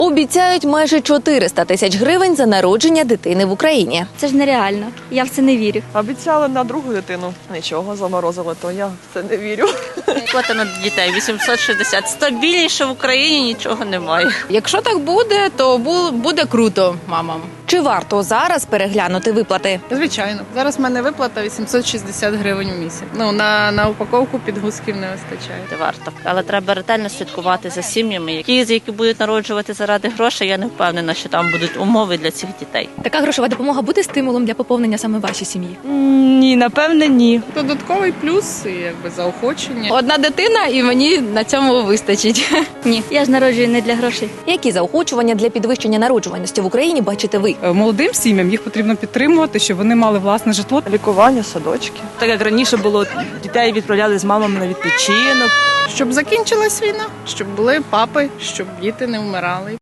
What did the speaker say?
Обіцяють майже 400 тисяч гривень за народження дитини в Україні. Це ж нереально. Я в це не вірю. Обіцяли на другу дитину. Нічого, заморозили, то я в це не вірю. Квота на дітей 860. Стабільніше в Україні нічого немає. Якщо так буде, то буде круто мамам. Чи варто зараз переглянути виплати? Звичайно. Зараз в мене виплата 860 гривень у місяць. На упаковку підгузків не вистачає. Не варто. Але треба ретельно слідкувати за сім'ями. Які будуть народжувати заради грошей, я не впевнена, що там будуть умови для цих дітей. Така грошова допомога буде стимулом для поповнення саме вашій сім'ї? Ні, напевне, ні. Додатковий плюс і заохочення. Одна дитина і мені на цьому вистачить. Ні, я ж народжую не для грошей. Які заохочування для підвищення народжуваності в Україні бачите ви? Молодим сім'ям їх потрібно підтримувати, щоб вони мали власне житло. Лікування, садочки. Так як раніше було, дітей відправляли з мамами на відпочинок. Щоб закінчилась війна, щоб були папи, щоб діти не вмирали.